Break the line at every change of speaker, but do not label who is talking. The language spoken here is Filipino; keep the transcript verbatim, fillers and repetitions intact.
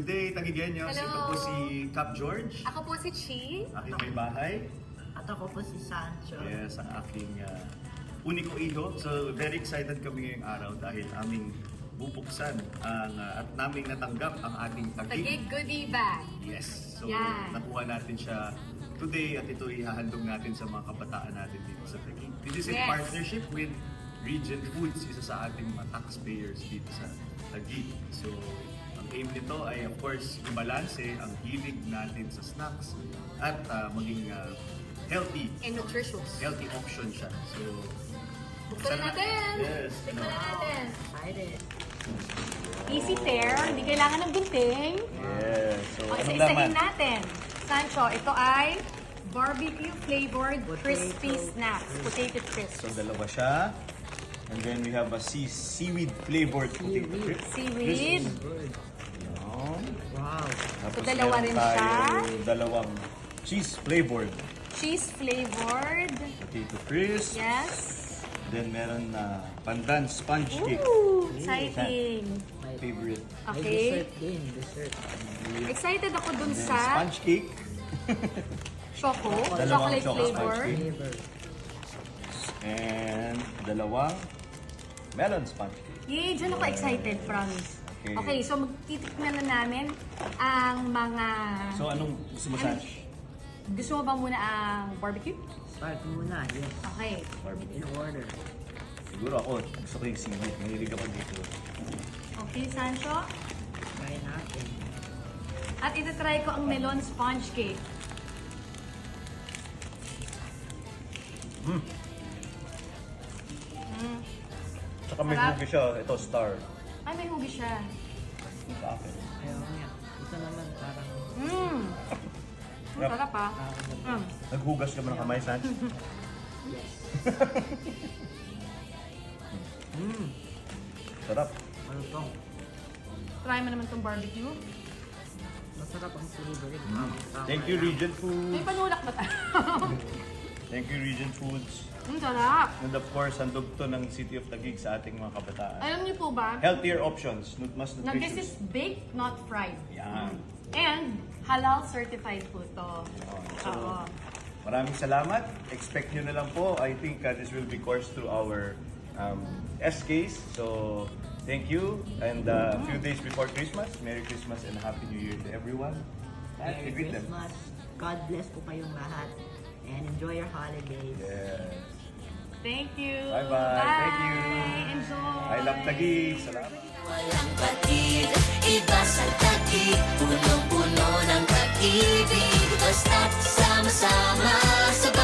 Good day, Tagigenyos.
Hello.
Ito po si Cap George,
Ako po si Chi.
aking may bahay.
At ako po si Sancho.
Yes, ang aking uh, uniko iho. So, very excited kami ngayong araw dahil aming bubuksan ang, uh, at naming natanggap ang ating
Tagig
Tagig.
goodie bag.
Yes. So,
Yan.
nakuha natin siya today at ito ihahandog natin sa mga kabataan natin dito sa Tagig. This is in
Yes.
partnership with Regent Foods, isa sa ating mga taxpayers dito sa Tagig. So, ang aim nito ay of course ibalanse ang hilig natin sa snacks at uh, maging uh, healthy.
And nutritious.
Healthy option siya. So,
Buksan na natin.
Yes.
Tignan na natin.
Excited.
Easy tear. Hindi kailangan ng gunting.
Yes. So,
O,
anong
isa-isahin
laman?
natin. Sancho, ito ay barbecue flavored
Potato.
crispy snacks. Potato crisps.
So, dalawa siya. And then we have a sea seaweed flavored potato
Seaweed.
crisp.
Seaweed.
Good.
Yan.
Wow.
Tapos
So, dalawa
meron
rin
tayo
siya.
dalawang cheese flavored
Cheese flavored.
potato crisp.
Yes.
Then meron na pandan sponge cake.
Ooh, exciting.
May,
Favorite.
may
Okay.
dessert din. Dessert.
Excited ako dun
Then
sa
sponge cake.
choco.
Dalawang
Chocolate
choco
flavor.
sponge cake.
Flavor.
And dalawang melon sponge cake.
Yay, dyan ako excited, promise.
Okay.
Okay, so magtitikman na namin ang mga...
So anong gusto mo,
Ano?
Sanch?
Gusto mo ba muna ang barbecue?
Start muna. Yes.
Okay.
Barbecue.
In order.
Siguro ako, gusto ko yung seaweed. Mahilig ako dito.
Okay, Sancho.
Try natin.
At itatry ko ang melon sponge cake.
Mm.
Mm.
Tsaka may
Sarap.
hugi siya. Ito, star.
Ay, may hugi siya.
Sa akin.
Ayaw niya. Ito naman parang...
Mmm. Ang
Sarap.
sarap ah.
parang
Mm.
Naghugas ka ba ng kamay, Sanch?
yes.
mm. Sarap.
Ano to?
Try mo naman tong barbecue.
Masarap ang flavoring. Mm.
Thank you, Regent
May
Foods.
panulak ba tayo?
Thank you, Regent Foods.
Ang sarap.
And of course, handog to ng City of Taguig sa ating mga kabataan.
Alam niyo po ba,
Healthier options, nu- mas
na this is
nutritious.
baked, not fried.
Yan.
And halal certified po to.
So,
Oo.
maraming salamat. Expect nyo na lang po. I think uh, this will be coursed through our um, S Ks. So, thank you. And uh, a few days before Christmas, Merry Christmas and Happy New Year to everyone. At
Merry
greet them.
Christmas. God bless po kayong lahat. And enjoy your holidays.
Yes.
Thank you.
Bye-bye. Thank you.
Enjoy.
I love Taguig. Salamat.
Walang patid, iba sa Taguig, punong-puno ng pag-ibig, basta't sama-sama sa